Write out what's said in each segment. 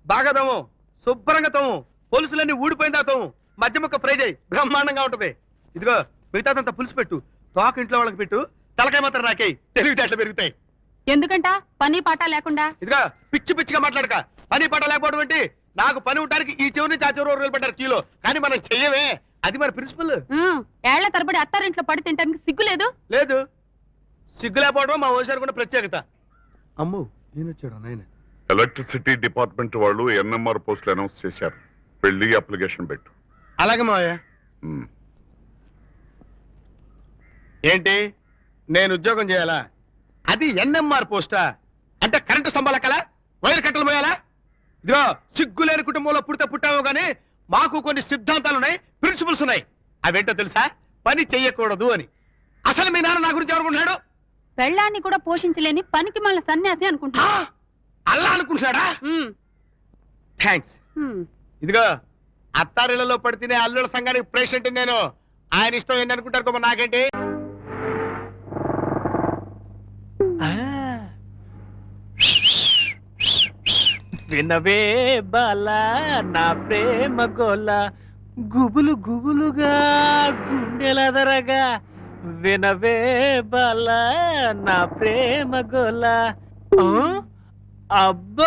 బాగా తోము, శుభ్రంగా తోము, పొలుసులన్నీ ఊడిపోయిందా తోము, మధ్య ముక్క ఫ్రై చేయి, బ్రహ్మాండంగా ఉంటది. ఇదిగో మిగతాదంతా పులుసు పెట్టు, తోక ఇంట్లో వాళ్ళకి పెట్టు, తలకాయ మాత్రం నాకేయి, తెలివితేటలు పెరుగుతాయి. ఎందుకంట పని పాట లేకుండా? ఇదిగో పిచ్చి పిచ్చిగా మాట్లాడక, పని పాట లేకపోవడం ఏంటి? నాకు పని ఉండడానికి ఈ చెవు నుంచి ఆ చెవు రోజులు పెట్టారు కిలో, కానీ మనం చెయ్యమే, అది మన ప్రిన్సిపల్. ఏళ్ల తరబడి అత్తారింట్లో పడి తింటానికి సిగ్గు లేదు? లేదు, సిగ్గు లేకపోవడం మా ఓసారి కూడా ప్రత్యేకత. అమ్ము నేను వచ్చాడు నాయన. ఎలక్ట్రిసిటీ డిపార్ట్మెంట్ వాళ్ళు ఎన్ఎంఆర్ పోస్టులు అనౌన్స్ చేశారు, పెళ్లి అప్లికేషన్ పెట్టు. అలాగే మావయ్య. ఏంటి నేను ఉద్యోగం చేయాలా? అది ఎన్ఎంఆర్ పోస్టా? అంటే కరెంటు స్తంభాల కల వైర్ కట్టలు పోయాలా? ఇదిగో సిగ్గు లేని కుటుంబంలో పుట్టావు గానీ మాకు కొన్ని సిద్ధాంతాలు ఉన్నాయి, ప్రిన్సిపల్స్ ఉన్నాయి. అవేంటో తెలుసా? పని చెయ్యకూడదు అని. అసలు మీ నాన్న నా గురించి ఎవరుకుంటున్నాడు? పెళ్ళాన్ని కూడా పోషించలేని పనికి మళ్ళీ సన్యాసి అనుకుంటా. అలా అనుకుంటున్నాడా? థ్యాంక్స్. ఇదిగో అత్తారిళ్లలో పడితేనే అల్లుల సంఘానికి ప్రెసిడెంట్ నేను. ఆయన ఇష్టం ఏంటి అనుకుంటారు, నాకేంటి? వినవే బాలా నా ప్రేమ గోల, గుబులు గుబులుగా గుండెలదరగా, వినవే బాలా నా ప్రేమ గోల. అబ్బా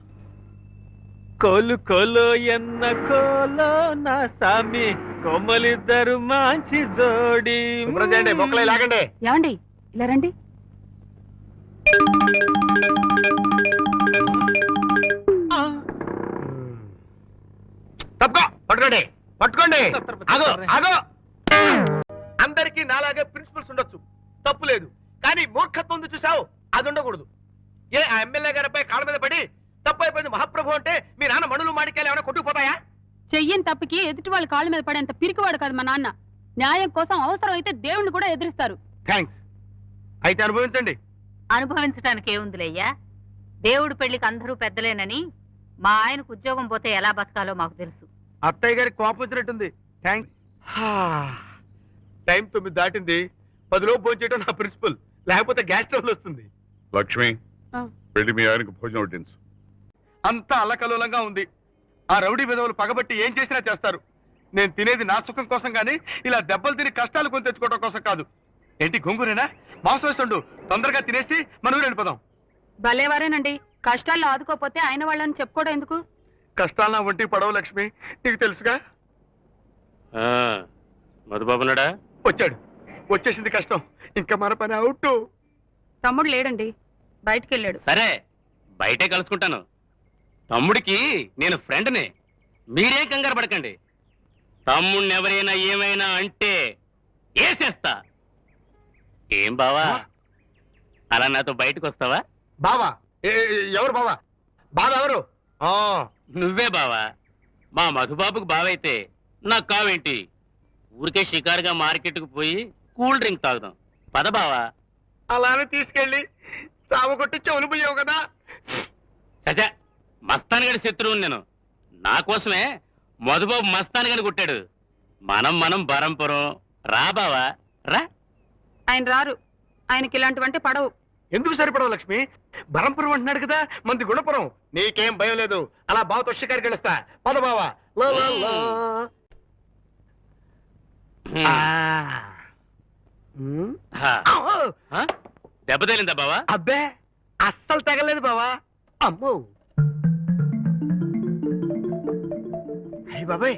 కోలు కోలో ఎన్న కోలో నా సామి, కొమ్మలిద్దరు మంచి జోడి. మొక్కలే లాగండి. ఏమండి ఇలా రండి. పట్టుకోండి పట్టుకోండి. ఆగో ఆగో. అందరికీ నాలాగే ప్రిన్సిపల్స్ ఉండొచ్చు, తప్పు లేదు. కానీ మూర్ఖత్వం ఉంది చూసావు, అది ఉండకూడదు. ఏ ఆ ఎమ్మెల్యే గారిపై కాళ్ళ మీద పడి తప్పు అయిపోయింది మహాప్రభు అంటే మీ నాన్న మణులు మాడికాయలు ఏమైనా కొట్టుకుపోతాయా? చెయ్యని తప్పుకి ఎదుటి వాళ్ళ కాళ్ళ మీద పడేంత పిరికివాడు కాదు మా నాన్న. న్యాయం కోసం అవసరం అయితే దేవుణ్ణి కూడా ఎదిరిస్తారు. థ్యాంక్స్. అయితే అనుభవించండి. అనుభవించడానికి ఏముందిలేయ్యా, దేవుడి పెళ్లికి అందరూ పెద్దలేనని మా ఆయనకు ఉద్యోగం పోతే ఎలా బతకాలో మాకు తెలుసు. అత్తయ్య గారికి కోపం వచ్చినట్టుంది. థ్యాంక్స్. టైం 9 దాటింది, 10 లోపు భోజనం చేయడం నా ప్రిన్సిపల్, లేకపోతే గ్యాస్ ట్రబుల్ వస్తుంది. లక్ష్మి పెళ్లి మీ ఆయనకు భోజనం వడ్డించు. అంతా అల్లకల్లోలంగా ఉంది. ఆ రౌడీ విధవులు పగబట్టి ఏం చేసినా చేస్తారు. నేను తినేది నా సుఖం కోసం గానీ ఇలా దెబ్బలు తిని కష్టాలు కొని తెచ్చుకోవడం కోసం కాదు. ఏంటి గొంగురేనా? మాంసం వేస్తుండు, తొందరగా తినేసి మన ఊరు వెళ్ళిపోదాం. భలేవారేనండి, కష్టాల్లో ఆదుకోపోతే ఆయన వాళ్ళని చెప్పుకోవడం ఎందుకు? కష్టాలు నా ఒంటికి పడవు లక్ష్మి, నీకు తెలుసుగా. మధుబాబునాడా? వచ్చాడు, వచ్చేసింది కష్టం, ఇంకా మన పని అవుట్. తమ్ముడు లేడండి, బయటికి వెళ్ళాడు. సరే బయటే కలుసుకుంటాను. తమ్ముడికి నేను ఫ్రెండ్ని, మీరేం కంగారు పడకండి. తమ్ముడిని ఎవరైనా ఏమైనా అంటే వేసేస్తా. ఏం బావా, అలా నాతో బయటకు వస్తావా? బావా? ఎవరు బావా? బావా ఎవరు? నువ్వే బావా. మా మధుబాబుకు బావైతే నాకు కావేంటి? ఊరికే షికారుగా మార్కెట్కు పోయి కూల్ డ్రింక్ తాగుదాం, పద బావా. అలానే తీసుకెళ్ళి చావగొట్టి చెవులు పోయావు కదా. సజా మస్తాన్ గడి శత్రువుని నేను. నా కోసమే మధుబాబు మస్తాన్ గడి కొట్టాడు. మనం బరంపురం రా బావా రా. ఆయన రారు, ఆయనకి ఇలాంటివంటే పడవు. ఎందుకు సరిపడవు లక్ష్మి? బరంపురం అంటున్నాడు కదా, మంది గుణపురం. నీకేం భయం లేదు, అలా బావతో షికారికి వెళ్ళొస్తా, పద బావా. దెబ్బ తేలిందా బావా? అబ్బే అస్సలు తగలేదు బావా. అమ్మో అయ్యి బాబాయ్,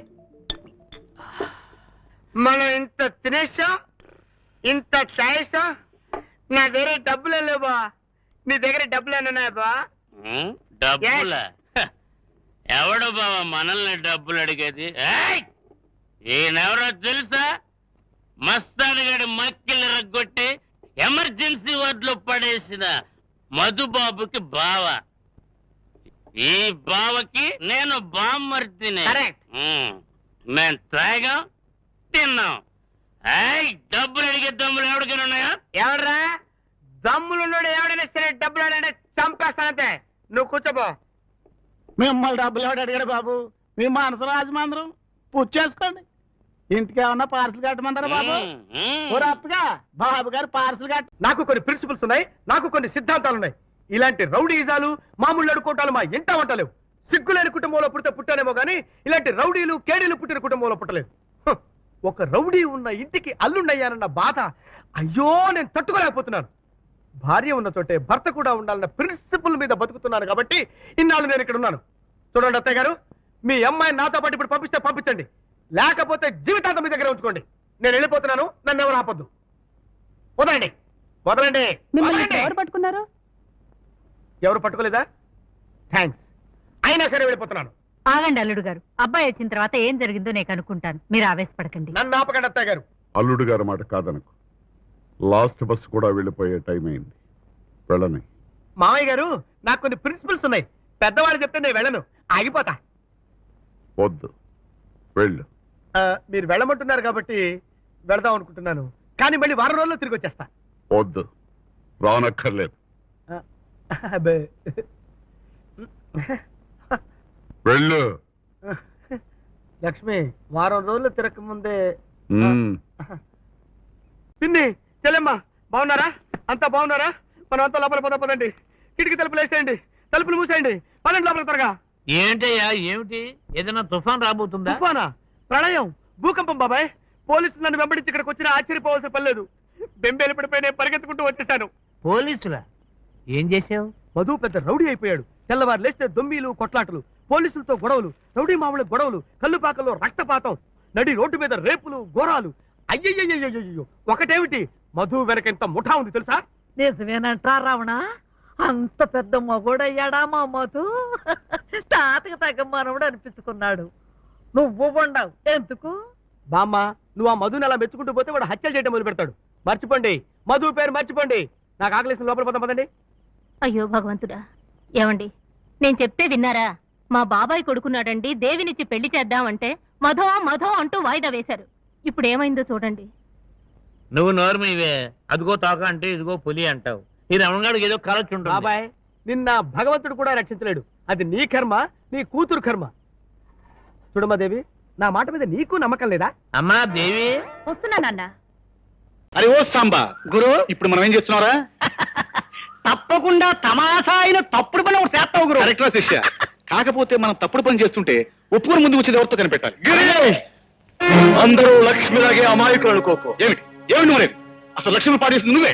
మనం ఇంత తినేసాం, ఇంత తాగేసాం, నా దగ్గర డబ్బులే లేవా? నీ దగ్గర డబ్బులేనా బా? డబ్బులా? ఎవడు బావా మనల్ని డబ్బులు అడిగేది? ఈయనెవరో తెలుసా? మస్తాన్ గడి మక్కిలు రగ్గొట్టి ఎమర్జెన్సీ వార్డులో పడేసిన మధుబాబుకి బావ. ఈ బావకి నేను బామ్మర్తిని. మేం తాగాం, తిన్నాం. డబ్బులు అడిగే దమ్ములు ఎవరికైనా ఉన్నాయా? ఎవడరా దమ్ములున్నాడు? ఎవడైనా సరే డబ్బులు అడిగితే చంపేస్తానంతే. నువ్వు కూర్చోబో. మిమ్మల్ని డబ్బులు ఎవడు అడిగాడు బాబు? మీ మనసు రాజమందరం పుచ్చేసుకోండి. ఇంటికి ఏమన్నా పార్సల్ కట్టమంటారా బాబు? అప్పగా బాబు గారు పార్సల్ కట్ట. నాకు కొన్ని ప్రిన్సిపల్స్ ఉన్నాయి, నాకు కొన్ని సిద్ధాంతాలు ఉన్నాయి. ఇలాంటి రౌడీజాలు మామూలు అడుకోవటాలు మా ఇంట వంటలేవు. సిగ్గులేని కుటుంబంలో పుడితే పుట్టానేమో గానీ ఇలాంటి రౌడీలు కేడీలు పుట్టిన కుటుంబంలో పుట్టలేదు. హ, ఒక రౌడీ ఉన్న ఇంటికి అల్లుండయ్యానన్న బాధ అయ్యో నేను తట్టుకోలేకపోతున్నాను. భార్య ఉన్న చోటే భర్త కూడా ఉండాలన్న ప్రిన్సిపల్ మీద బతుకుతున్నాను కాబట్టి ఇన్నాళ్ళు నేను ఇక్కడ ఉన్నాను. చూడండి అత్తయ్య గారు, మీ అమ్మాయిని నాతో పాటు ఇప్పుడు పంపిస్తే పంపించండి, లేకపోతే జీవితాంతం మీ దగ్గర ఉంచుకోండి. నేను వెళ్ళిపోతున్నాను, నన్ను ఎవరు ఆపొద్దు. వదలండి వదలండి మిమ్మల్ని వదలండి. ఎవరు పట్టుకున్నారు? ఎవరు పట్టుకోలేదా? థ్యాంక్స్. అయినా సరే వెళ్ళిపోతున్నాను. ఆగండి అల్లుడు గారు, అబ్బాయి వచ్చిన తర్వాత ఏం జరిగిందో నేను కనుక్కుంటాను, మీరు ఆవేశపడకండి. నన్ను ఆపకండి అత్తయ్య గారు. అల్లుడు గారి మాట కాదనకు. లాస్ట్ బస్ కూడా వెళ్ళిపోయే టైం అయింది. వెళ్ళని. మామయ్య గారు, నాకు కొన్ని ప్రిన్సిపల్స్ ఉన్నాయి. పెద్దవాళ్ళు చెప్తే నేను వెళ్ళను, ఆగిపోతా. వద్దు, వెళ్ళు. మీరు వెళ్ళమంటున్నారు కాబట్టి వెళదాం అనుకుంటున్నాను, కానీ మళ్ళీ వారం రోజుల్లో తిరిగి వచ్చేస్తా. వద్దు, రానక్కర్లేదు. అబ్బే. వెళ్ళు. లక్ష్మి, వారం రోజులు తిరగక ముందే. మ్మ్. పిన్ని, చెల్లెమ్మ, బాగున్నారా? అంతా బాగున్నారా? మనం అంతా లోపల పదండి. కిటికీ తలుపులు వేసేయండి, తలుపులు మూసేయండి, పదండి లోపల త్వరగా. ఏంటయ్యా ఏమిటి? ఏదైనా తుఫాన్ రాబోతుందా? తుఫానా? ప్రళయం? భూకంపం? బాబాయ్, పోలీసులు నన్ను వెంబడించి ఇక్కడికి వచ్చినా ఆశ్చర్యపోవాల్సిన పని లేదు. బెంబేలు పడిపోయి నేను పరిగెత్తుకుంటూ వచ్చేసాను. పోలీసులా? ఏం చేసావు? మధు పెద్ద రౌడీ అయిపోయాడు. తెల్లవారు లేస్తే దొమ్మీలు, కొట్లాటలు, పోలీసులతో గొడవలు, రౌడీ మామూలు గొడవలు, కల్లుపాకల్లో రక్తపాతం, నడి రోడ్డు మీద రేపులు, ఘోరాలు. అయ్యయ్యో, ఒకటేమిటి, మధు వెనక ఇంత ముఠా ఉంది తెలుసా? నిజమేనంటా రావణ? అంత పెద్ద మగోడయ్యాడా మా మధు? తాతకి తగ్గ మనవడు అనిపించుకున్నాడు. నువ్వు ఉండవు ఎందుకు? బామ్మ, నువ్వు ఆ మధుని అలా మెచ్చుకుంటూ పోతే వాడు హత్యలు చేయడం మొదలు పెడతాడు. మర్చిపోండి, మధు పేరు మర్చిపోండి. నాకు ఆకలిసిన లోపల పోతాం పదండి. అయ్యో భగవంతుడా, ఏమండి నేను చెప్తే విన్నారా? మా బాబాయ్ కొడుకున్నాడండి, దేవినిచ్చి పెళ్లి చేద్దామంటే మధో మధో అంటూ వాయిదా వేశారు. ఇప్పుడు ఏమైందో చూడండి. నువ్వు నోరు మీవే. అదిగో తోక అంటే ఇదిగో పులి అంటావు. ఈ రమణగాడికి ఏదో కలొచ్చు ఉంటుంది. బాబాయ్, నిన్న భగవంతుడు కూడా రక్షించలేడు. అది నీ కర్మ, నీ కూతురు కర్మ. చూడమ్మాదేవి, నా మాట మీద నీకు నమ్మకం లేదా? అమ్మా దేవి, వస్తున్నానన్నా. అరే ఓ సాంబా గురు, ఇప్పుడు మనం ఏం చేస్తున్నారా? తప్పకుండా తమాషా అయిన తప్పుడు పని ఒకటి చేస్తావు గురు. కరెక్ట్రా శిష్య. కాకపోతే మనం తప్పుడు పని చేస్తుంటే ఒప్పుకొని ముందుకు వచ్చేది ఎవరితో కనిపెట్టాలి. అందరూ లక్ష్మిలాగే అమాయకులు అనుకోకు. ఏమిటి ఏమిటి నువ్వు? అసలు లక్ష్మి పాడేసింది నువ్వే.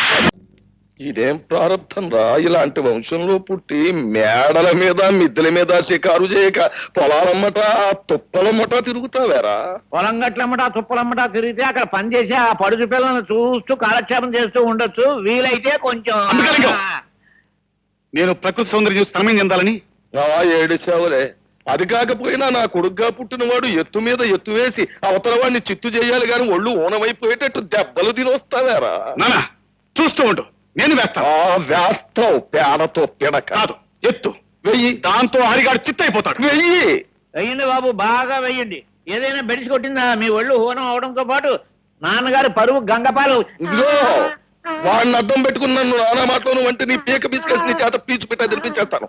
ఇదేం ప్రారంభం రా, ఇలాంటి వంశంలో పుట్టి మేడల మీద మిద్దెల మీద షికారు చేయక పొలాలమ్మట తుప్పలమ్మట తిరుగుతావేరా? పొలం గట్లమ్మటా తుప్పలమ్మటా తిరిగితే అక్కడ పని చేసి ఆ పడుచు పిల్లలను చూస్తూ కాలక్షేపం చేస్తూ ఉండొచ్చు. వీలైతే కొంచెం అందుకని నేను ప్రకృతి సౌందర్యం చూసి తనమేం చెందాలని. ఏడిచావులే. అది కాకపోయినా నా కొడుగ్గా పుట్టినవాడు ఎత్తు మీద ఎత్తు వేసి అవతల వాడిని చిత్తు చేయాలి గాని ఒళ్ళు ఊనమైపోయేటట్టు దెబ్బలు తినొస్తావేరా? నానా చూస్తూ ఉండు, నేను వేస్తాను. వేస్తావు పేడతో పిడక. కాదు, ఎత్తు వెయ్యి, దాంతో హరిగాడు చిత్తైపోతాడు. వెయ్యి. వెయ్యండి బాబు, బాగా వెయ్యండి. ఏదైనా బెడిసి కొట్టిందా? మీ ఒళ్ళు హోనం అవడంతో పాటు నాన్నగారు పరువు గంగపాలు. ఇదిగో వాడిని అడ్డం పెట్టుకుని నన్ను నానా మాటలోను వంటి నీ పీక బిస్కెట్ నీ చేత పీచు పెట్టా తినిపించేస్తాను.